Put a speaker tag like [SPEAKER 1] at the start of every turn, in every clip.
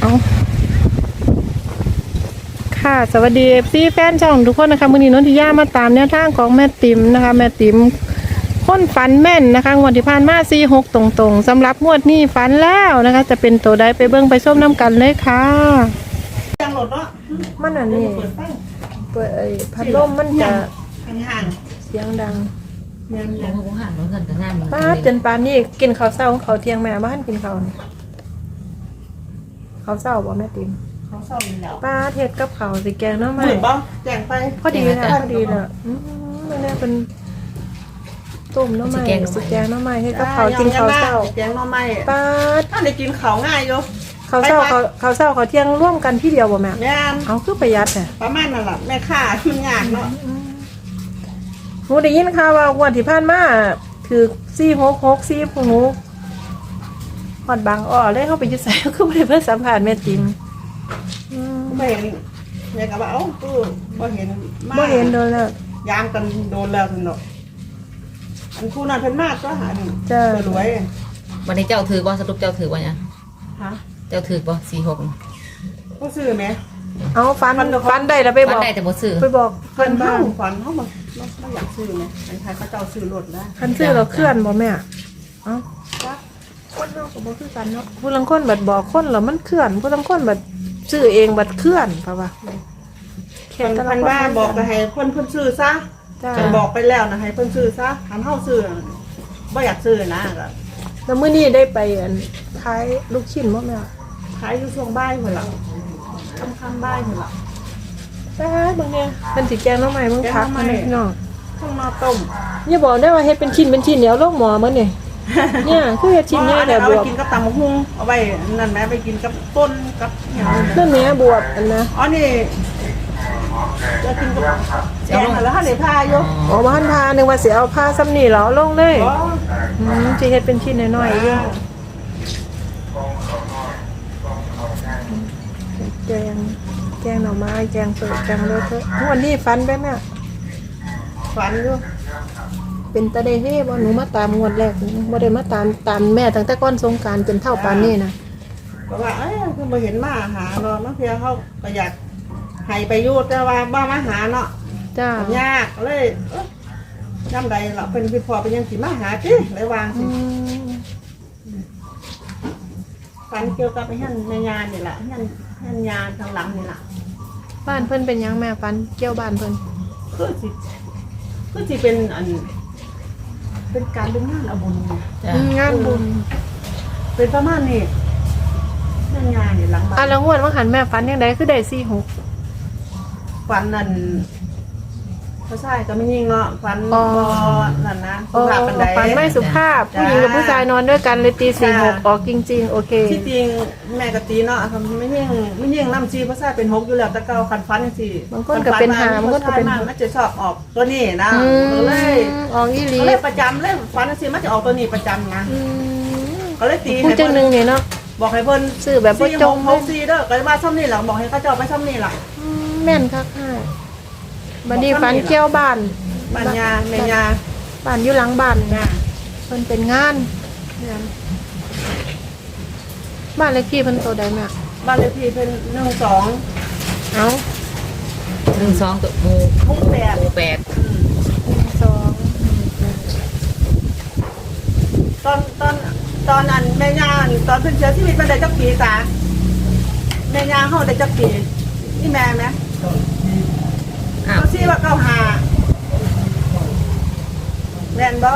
[SPEAKER 1] เอาค่ะสวัสดีพี่แฟนช่องทุกคนนะคะมื้อนี้นนทิยามาตามแนวทางของแม่ติ๋มนะคะแม่ติ๋มคนฝันแม่นนะคะงวดที่ผ่านมา46ตรงๆสำหรับงวดนี้ฝันแล้วนะคะจะเป็นตัวใดไปเบิ่งไปส้มน้ำกันเลยค่ะ
[SPEAKER 2] จังหลดเนาะ
[SPEAKER 1] มันอันนี้
[SPEAKER 2] เปิดไฟ
[SPEAKER 1] เปิดพัดลมมันจะ
[SPEAKER 2] ห่าง
[SPEAKER 1] เสียงดัง
[SPEAKER 2] เงิน
[SPEAKER 3] โอ้โหหันมันเงินแต่งานมัน
[SPEAKER 1] ป้าจนปานนี้กินข้าวเช้าของเขาวเที่ยงแม่บ้านกินข้าวนี่ข้าวเช้าบ่แม่ติ๋ม
[SPEAKER 2] เขาเศร้าอยู่แล้ว
[SPEAKER 1] ป้าเทศกับข้าวสิแกงเนาะ
[SPEAKER 2] ห
[SPEAKER 1] แม่
[SPEAKER 2] มื่นบ่แจงไป
[SPEAKER 1] พอดีนะพอดีนะมันเนี่ยเป็นต้มเนาะแม่สิแกงเนาะแม่เฮ็ดกับข้าวกินข้าวเช้า
[SPEAKER 2] แจงน้องไม้
[SPEAKER 1] ป้า
[SPEAKER 2] ถ้าได้กินข้าวง่ายอยู่
[SPEAKER 1] ข้าวเช้าข้าวเช้าข้าวเที่ยงร่วมกันที่เดียวบ่แม่
[SPEAKER 2] แม่น
[SPEAKER 1] เอาคือประหยัดแท้
[SPEAKER 2] ประมาณนั่นแหละแม่ค่ามันยากเนาะ
[SPEAKER 1] หนูได้ยินข่าวว่างวดที่ผ่านมาถือ466พวกหนูฮอดบางอ้อเลยเข้าไปอยู่ไสคือบ่ได้เพิ่นสัมภาษณ์แม่ติ๋ม
[SPEAKER 2] ไม่เห็นแม่ก็ว่าเอ้าตู้บ่เห็นมา
[SPEAKER 1] บ่เห็นโดนแล้ว
[SPEAKER 2] ยามกันโดนแล้วซั่นเนาะอันคู่นั้นเพิ่นมากก็หาหนึ่ง
[SPEAKER 1] จ้ะ
[SPEAKER 2] รวย
[SPEAKER 3] วันนี้เจ้าถือบ่สรุปเจ้าถือบ่เนี่ย
[SPEAKER 2] ฮะ
[SPEAKER 3] เจ้าถือบ่46
[SPEAKER 2] ผู้ซื้อไหม
[SPEAKER 1] เอาฟันได้แล้วไปบ
[SPEAKER 3] วั
[SPEAKER 1] อนก
[SPEAKER 3] ได้แต่บ่ซื้อ
[SPEAKER 1] ไปบอก
[SPEAKER 2] เพิ่
[SPEAKER 1] เพื่อน น
[SPEAKER 2] เฮา
[SPEAKER 1] บ้าน
[SPEAKER 2] ฝันเฮาบ่อยากซื้อไหมอันไทยเขาเจ้าซื้อรถได้
[SPEAKER 1] คันซื้อเราเคลื่อนบ่แม่เอ้าคนเฮาก็บ่คือกันเนาะผู้ลางคนบัดบอกคนแล้วมันเคลื่อนผู้ลางคนบัดซื้อเองบัดเคลื่อนเพราะว่าแค่
[SPEAKER 2] เพิ่น
[SPEAKER 1] แต่ละ
[SPEAKER 2] เพิ่น
[SPEAKER 1] คน
[SPEAKER 2] ว่าบอกก็ให้เพิ่นซื้อซะ
[SPEAKER 1] จ้า
[SPEAKER 2] เพิ่นบอกไปแล้วนะให้เพิ่นซื้อซะหันเฮาซื้อบ่อยากซื้อนะก็
[SPEAKER 1] แล้วมื้อนี้ได้ไปอันขายลูกชิ้นบ่แม่
[SPEAKER 2] ขายอยู่ช่วงบ่ายพุ่นล่ะค่ำๆบ่ายพุ่นล่ะ
[SPEAKER 1] แป๊บนึงเนี่ยเพิ่นสิแกงหน่อไม้เบิ่งพักมาพี่น้อง
[SPEAKER 2] ต้องมาต้ม
[SPEAKER 1] อย่าบอกได้ว่าเฮ็ดเป็นชิ้นเดี๋ยวลงหม้อมื้อนี่เนี่ยคือเฮ็ดชิ้นใหญ่แต่
[SPEAKER 2] เอา
[SPEAKER 1] บ
[SPEAKER 2] ไป
[SPEAKER 1] วบ
[SPEAKER 2] กินกับตำบักหุ่งเอาไปนั่นแหมไปกินกับต้นกับหยัง
[SPEAKER 1] นั่นแหม่บวบอันนะ
[SPEAKER 2] อ๋อนี่จะกินกับแกงแล้วถ้าได้พาอยู่
[SPEAKER 1] อ๋อบ้านพานึกว่าสิเอาผ้าซ้ำนี่เหรอลงเลย
[SPEAKER 2] อ๋อ
[SPEAKER 1] สิเฮ็ดเป็นชิ้นน้อยๆอยู่แกงหน่อไม้แกงเปิดแกงรสวันนี้ฟันไปแม่
[SPEAKER 2] ฝันอยู่
[SPEAKER 1] เป็นตาเดเฮ่บ่หนูมาตามงวดแรกบ่ได้มาตามแม่ตั้งแต่ก่อนสงกรานต์จนเท่าปานนี้นะ
[SPEAKER 2] ก็ว่าเอ้ยคือบ่เห็นมาหาเนาะบางเทีเขาก็อยากให้ไปอยู่แต่ว่าบ่มาหาเนาะ
[SPEAKER 1] จ้าย
[SPEAKER 2] ากเลยย่ำใดเราเป็นพี่พ่อเป็นยังสิมาหาจิเลยวาง
[SPEAKER 1] อื
[SPEAKER 2] สิ
[SPEAKER 1] ม
[SPEAKER 2] ฝันเกี่ยวกับไอ้ฮั่นแม่ยานี่แหละฮั่นยาทางหลังนี่แหละ
[SPEAKER 1] บ้านเพิ่นเป็นหยังแม่ฟันเกี่ยวบ้านเพิ่น
[SPEAKER 2] คือสิเป็นอันเป็นการเป็นงานเอาบุญไง
[SPEAKER 3] จ้ะ
[SPEAKER 1] งานบุญ
[SPEAKER 2] เป็นประมาณนี้ฮั่นยานี่หลังบ้า
[SPEAKER 1] อ่ะ
[SPEAKER 2] น
[SPEAKER 1] แล้วงวดว่าหันแม่ฟันจังไดคือได้46
[SPEAKER 2] ฝันนั่นเขาใช่ก็ไม่ยิ่งเนาะฝันบอนั่นนะ
[SPEAKER 1] โอ้
[SPEAKER 2] สุภาพปันใด
[SPEAKER 1] ฟันไม่สุภาพผู้หญิงกับผู้ชายนอนด้วยกันเลยตี46ออกจริงๆโอเค
[SPEAKER 2] ที่จริงแม่กะตีเนาะทำไม่ยิ่งน้ำชีเพราะใช่เป็น6อยู่แล้วแต่เก่าคันฟันจังซี่
[SPEAKER 1] บางคนก็เป็นหาบางคนก็เป็น
[SPEAKER 2] มันจะชอบออกตัวนี้นะก็เลย
[SPEAKER 1] ออกอีหลี
[SPEAKER 2] ก็เลยประจำเลยฟันจังซี่มันจะออกตัวนี้ประจำนะ
[SPEAKER 1] อืม
[SPEAKER 2] ก็เลยตี
[SPEAKER 1] พูดจังหนึงนี่เนาะ
[SPEAKER 2] บอกให้เพิ่น
[SPEAKER 1] ซื้อแบบบ่จง
[SPEAKER 2] 4 6 4เด้อก็ว่าซ่อมนี่แหละบอกให้เขาเจ้าไปซ่อมนี่ล่ะ
[SPEAKER 1] แม่นคักค่ะบัดนี้ฟันเกี่ยวบ้าน
[SPEAKER 2] บ้านยาแม่ยา
[SPEAKER 1] บ้านอยู่หลังบ้าน
[SPEAKER 2] จ้า
[SPEAKER 1] เพิ่นเป็นงานบ้านเลขที่เพิ่นโตได้แม่
[SPEAKER 2] บ้านเลขที่เพิ่น12
[SPEAKER 1] เอ้า
[SPEAKER 3] 12ตัวหมู่
[SPEAKER 2] หมู่แปด
[SPEAKER 3] หมู่8
[SPEAKER 2] ตอนนั้นแม่ย่าตอนเพิ่นเสียชีวิตมันได้จักปีตาแม่ย่าเฮาได้จักปีนี่แม่ไหม
[SPEAKER 3] อ้าว
[SPEAKER 2] เขาชื่อว่าเก้าหาแม่นบ่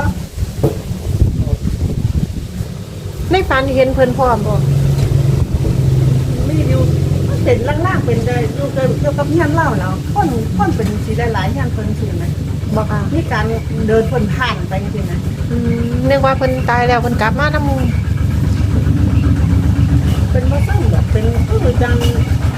[SPEAKER 1] ในฝันเห็นเพิ่นพร้อมบ่
[SPEAKER 2] มีอยู่มันเป็นล่างๆเป็นได้อยู่เกี่ยวกับเฮียนเล่าแล้วคนเป็นสิได้หลายเฮียนเพิ่นสิไหม
[SPEAKER 1] บ่ค่ะ
[SPEAKER 2] มีการเดินเพิ่นผ่านไปจังซี่นะ
[SPEAKER 1] นึกว่าเพิ่นตายแล้วเพิ่นกลับมานำหมู่
[SPEAKER 2] เป็นบ่ซั่งแบบเป็นคือจัง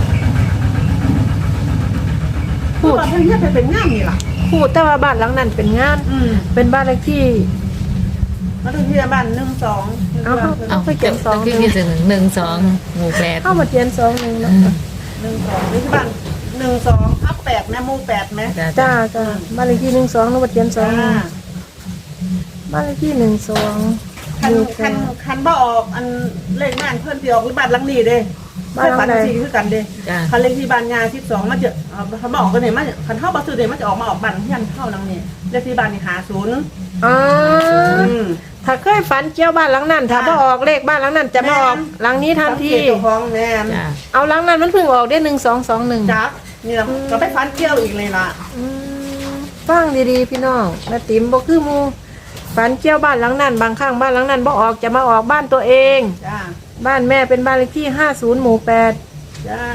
[SPEAKER 1] พูด
[SPEAKER 2] ว่าเพิ่นเฮ็ดให้เป็นงานนี่ล่ะ
[SPEAKER 1] พูดแต่ว่าบ้านหลังนั้นเป็นงาน เป็นบ้านเลขที่
[SPEAKER 2] มาถึงที่บ้าน1 2
[SPEAKER 1] เอา
[SPEAKER 3] เอ้า
[SPEAKER 1] ไปเขียนสอง
[SPEAKER 3] คือมีถึง12หมู่8
[SPEAKER 1] เข้ามาเขียน2 1เนาะ
[SPEAKER 2] 1 2นี่ที่บ้าน1 2ทับ8แม่หมู่8แม่
[SPEAKER 3] จ้ะ
[SPEAKER 1] จ้าจ้าบ้านเลขที่12แล้วมาเขียน2
[SPEAKER 2] จ้า
[SPEAKER 1] 1บ้านเลขที่12
[SPEAKER 2] ใครคันบ่ออกอันเลขบ้านเพิ่นสิออกบ้านหลังนี้เด้บ้านฝันสิคือกันเด้
[SPEAKER 3] จ้ะ
[SPEAKER 2] คันเลขที่บ้านยา12มันจะคันบ่ออกก็เนี่ยมันคันเฮาบ่ซื้อเด้มันจะออกมาออกบ้านเฮียนเฮาหลังนี้เลขที่บ้านนี่50
[SPEAKER 1] อ๋อ
[SPEAKER 2] อืม
[SPEAKER 1] ถ้าเคยฝันเกี่ยวบ้านหลังนั้นถ้าบ่ออกเลขบ้านหลังนั้นจะมาออกหลังนี้ทันที
[SPEAKER 2] สังเกตเจ้าของแม่น
[SPEAKER 3] จ้ะ
[SPEAKER 1] เอาหลังนั้นมันเพิ่งออกได้1221
[SPEAKER 2] จักนี่ล่ะก็ไปฝันเกี่ยวอีกเลยล่ะ
[SPEAKER 1] ฟังดีๆพี่น้องแม่ติ๋มบ่คือหมู่ฝันเกี่ยวบ้านหลังนั้นบางครั้งบ้านหลังนั้นบ่ออกจะมาออกบ้านตัวเอง
[SPEAKER 2] จ้า
[SPEAKER 1] บ้านแม่เป็นบ้านเลขที่50หมู่8
[SPEAKER 2] จ้า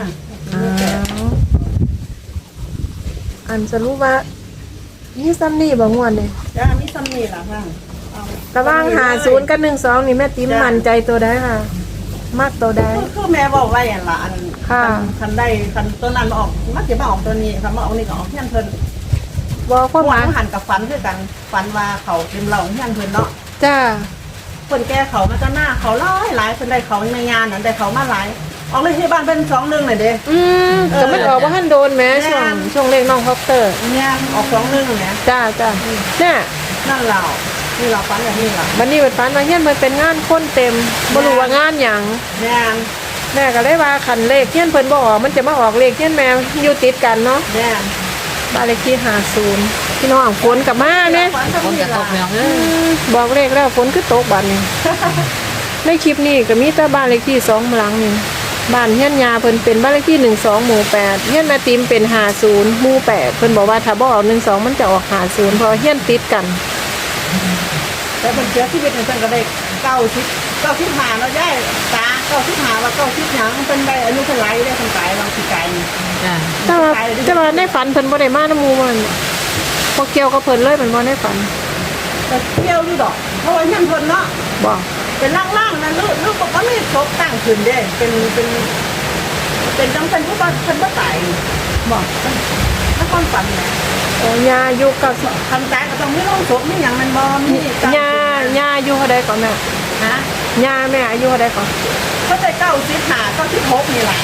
[SPEAKER 1] อันสรุปว่านี่ซ้ำนี่บ่ม่วนเลย
[SPEAKER 2] จ้ามีซ้ำนี่ล่ะค่ะเอา
[SPEAKER 1] ระหว่าง50กับ12นี่แม่ติ๋มมั่นใจตัวใดค่ะ มักตัวใด
[SPEAKER 2] คือแม่บอกไว้อันละอัน
[SPEAKER 1] ค่ะ
[SPEAKER 2] คันได้คันตัวนั้นมาออกมันจะมาออกตัวนี้คันมาออกนี่ก็ออกเฮียนเพิ่น
[SPEAKER 1] บ่ความหมาย
[SPEAKER 2] หันกับฝันคือกันฝันว่าเขาเป็นเหล่าเฮียนเพิ่นเนาะ
[SPEAKER 1] จ้า
[SPEAKER 2] คนแก่เขามาจะหน้าเขาหลายคนได้เขาในงานนั้นได้เขามาหลายออกเลยที่บ้านเป็น2-1หน่อยเด้
[SPEAKER 1] ก็มันออกบ่ทันโดนแหม
[SPEAKER 2] แม่
[SPEAKER 1] ช่วงเลขน้องคอปเตอร์
[SPEAKER 2] เนี่ยออก2-1เนี่ย
[SPEAKER 1] จ้าเนี่ย
[SPEAKER 2] นั่นเรานี่เราฝันอย่างนี้ล่ะ
[SPEAKER 1] บัดนี้เปิดฝันว่าเฮียนมันเป็นงานคนเต็มบ่รู้ว่างานหยัง
[SPEAKER 2] แม่น
[SPEAKER 1] แม่ก็เลยว่าคันเลขเฮียนเพิ่นบ่ออกมันจะมาออกเลขเฮียนแม่อยู่ติดกันเนาะ
[SPEAKER 2] แม่น
[SPEAKER 1] บ้านเลขที่50พี่น้องฝนกลับมาแม่
[SPEAKER 2] ฝันกับ
[SPEAKER 3] คน
[SPEAKER 2] นี่
[SPEAKER 3] กระต
[SPEAKER 2] ล่ะ
[SPEAKER 3] กแมวเออ
[SPEAKER 1] บอกเลขแล้วฝนคือตกบัดนี้ ในคลิปนี้ก็มีแต่บ้านเลขที่2หลังนี่บ้านเฮียนยาเพิ่นเป็นบ้านเลขที่12หมู่8เฮียนแม่ติมเป็น50หมู่8เพิ่นบอกว่าถ้าบ่ออก12มันจะออก50เพราะเฮียนติดกัน
[SPEAKER 2] แต่เป็นเสียชีวิตในจังก็ได้95เนาะยายตา95ว่า90หยังเป็นได้อายุเท่าไหร่ได้คนตายบางทีไกลนี่
[SPEAKER 3] จ้ะ
[SPEAKER 1] แต่ว่าในฝันเพิ่นบ่ได้มานำหมู่มันพอเกี่ยวกับเพิ่นเลยมันบ่ในฝัน
[SPEAKER 2] แต่เที่ยวอยู่ดอกเพราะว่าเฮียนเพิ่นเนาะ
[SPEAKER 1] บ่
[SPEAKER 2] เป็นล่างๆนะลูกบอกว่าไม่ครบตั้งขึ้นเด้เป็นจังเป็นผู้บ้านเป็นผู้ตายบอกถ้าความฝันนะ
[SPEAKER 1] โอ้ยาอยู่กับ
[SPEAKER 2] คันตายก็ต้องไม่ลงศพไม่อย่างมันบอมี
[SPEAKER 1] ยาอายุเท่าใดก่อนแม่
[SPEAKER 2] ฮะ
[SPEAKER 1] ยาแม่อายุเท่าใดก่อน
[SPEAKER 2] เขาใจ95 96นี่แหละ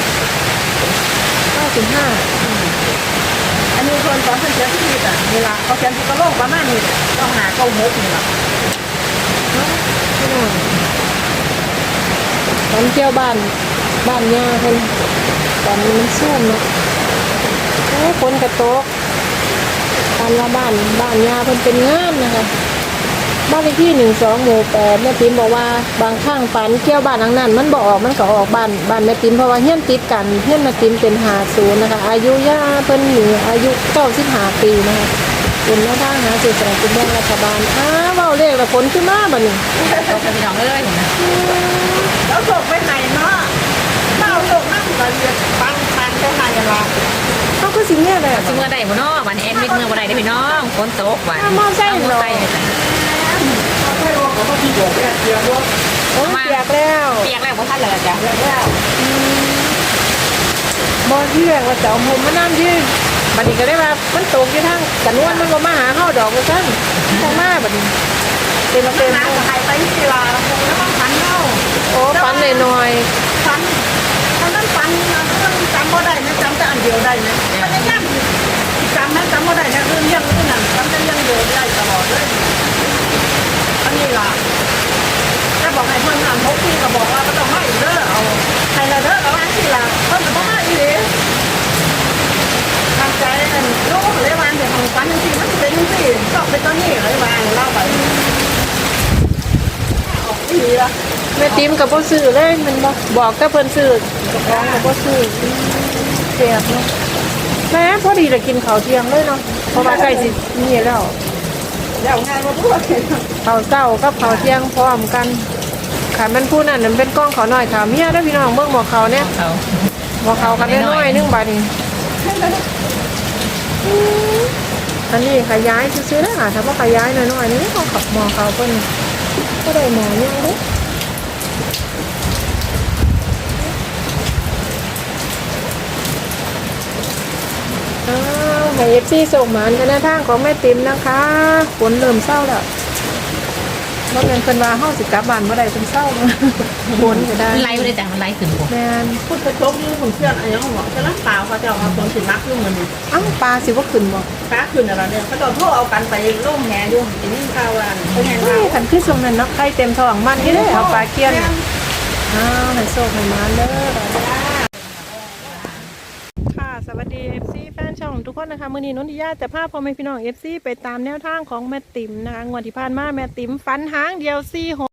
[SPEAKER 1] 95
[SPEAKER 2] อันนี้คนตอนเสียชีวิตอ่ะนี่ละเขาเขียนที่กระโหลกประมาณนี้ต้องหา96นี่แหละ
[SPEAKER 1] พี่น้องตอนเที่ยวบ้านยาเพิ่นตอนนี้มันซุ่มเนาะโอ้ฝนกระตกตอนว่าบ้านยาเพิ่นเป็นงานนะคะบ้านเลขที่12หมู่8แม่ติ๋มบอกว่าบางครั้งฝันเที่ยวบ้านหลังนั้นมันบ่ออกมันก็ออกบ้านแม่ติ๋มเพราะว่าเฮียนติดกันเฮียนแม่ติ๋มเป็น50นะคะอายุย่าเพิ่นนี่อายุ95ปีนะคะเป็นแม่ทางหาสื่อสารกินแบ่งรัฐบาลเว้าเลขแล้วฝนขึ้นมาบัดนี้
[SPEAKER 3] ตกกับพี่น้องเลยเห็นไหม
[SPEAKER 2] แล้วศพไปไหนเนาะเล่าศพนั่งกันปังไปไหนละ
[SPEAKER 1] เขาก็สิเนี่ยแหละ
[SPEAKER 3] สิเมื่อใดบ่เนาะวันแอนมิดเมื่อบ่ได้ได้อพี่น้องฝนตกวัน
[SPEAKER 1] มอไซค์
[SPEAKER 3] เอา
[SPEAKER 1] เหรอ
[SPEAKER 3] ไซค์ไป
[SPEAKER 2] ไม่รู้เขาก็ที่บอกแค่เดียวว่า
[SPEAKER 1] โอ้ยเปียกแล้ว
[SPEAKER 3] เปียกแล้วบ่ทันเลยจ้ะ
[SPEAKER 2] แล้ว
[SPEAKER 1] บ่เที่ยงว่าจะเอาหมมาน้ำที่บัดนี้ก็ได้ว่ามันตกอยู่ทางกันนวนมันบ่มาหาเฮาดอกว่าซั่นทางมาบัดนี้เต็ม
[SPEAKER 2] น้ำหายไปที่ลาคงแล้วต้องฝันเล่า
[SPEAKER 1] โอ้ฝันหน่อย
[SPEAKER 2] ฝันตอนนั้นฝันจำบ่ได้นะจำแต่อันเดียวได้นะพยายามจำนะจำบ่ได้นะเรื่องนั้นจำแต่เรื่องเดียวได้ตลอดเลยอันนี้ล่ะถ้าบอกให้เพิ่นทำ6 ปีก็บอกว่าก็ต้องให้เด้อเอาให้ละเด้อแล้วอันที่ล่ะเพิ่นก็บ่มาอีหลีทำใจนั่นรู้เลยว่าเดี๋ยวของฝันจังซี่มันเป็นจังซี่ชอบเป็นตัวนี้เลยว่าเล่าไปออกอีหลีล่ะ
[SPEAKER 1] ๆแม่ติ๋มก็บ่ซื้อเลยมันบ่บอกแต่เพิ่นซื้อเจ้าของก็บ่ซื้อเสียบเนาะแม่พอดีจะกินข้าวเที่ยงเลยเนาะเพราะว่าใกล้สินี่แล้ว
[SPEAKER 2] แล้วงานมาพูด
[SPEAKER 1] ข้าวเช้ากับข้าวเที่ยงพร้อมกันค่ะมันผู้นั้นมันเป็นกล้องขาวน้อยค่ะเมียเด้อพี่น้องเบิ่งหมอเขาเนี่ย
[SPEAKER 3] เขา
[SPEAKER 1] หมอเขากันน้อยๆนึงบาดนี้อันนี้ขยายซื้อๆนะถ้าบ่ขยายน้อยๆนี่เขาขับหมอเขาเพิ่นก็ได้หมอยังเด้ให้ FC ส่งหมานกันหน้าทางของแม่ติ๋มนะคะฝนเริ่มเศร้าแล้วบ่เป็นเพิ่นว่าเฮาสิกลับบ้านบ่ได้เพิ่นเศร้าฝนก็ได้
[SPEAKER 3] มันไล่ไม่ได้จังมันไล่ขึ้นผม
[SPEAKER 1] แม่น
[SPEAKER 2] พูดกระจกอยู่ผมเชื่ออะไรยังบอกจะรับเปล่าเขาจะเอามาคนสินักอยู่เหมือนนี่
[SPEAKER 1] อ้าวปลาสิบ่ขึ้นบ่
[SPEAKER 2] ฟ้าคืนอะไรเนี่ยเขาจะโทษเอากันไปโล่งแหอยู่ทีนี้ข่าวว่าเขาแหง
[SPEAKER 1] นี่
[SPEAKER 2] เรา
[SPEAKER 1] คันคือช่วงนั้นเนาะไข่เต็มท้องมันนี่เด้เอาปลาเคียนอ้าวให้โชคให้มาเด้อค่ะสวัสดี FC แฟนช่องทุกคนนะคะมื้อนี้นนทิยาจะพาพ่อแม่พี่น้อง FC ไปตามแนวทางของแม่ติ๋มนะคะงวดที่ผ่านมาแม่ติ๋มฝันหางเดียว46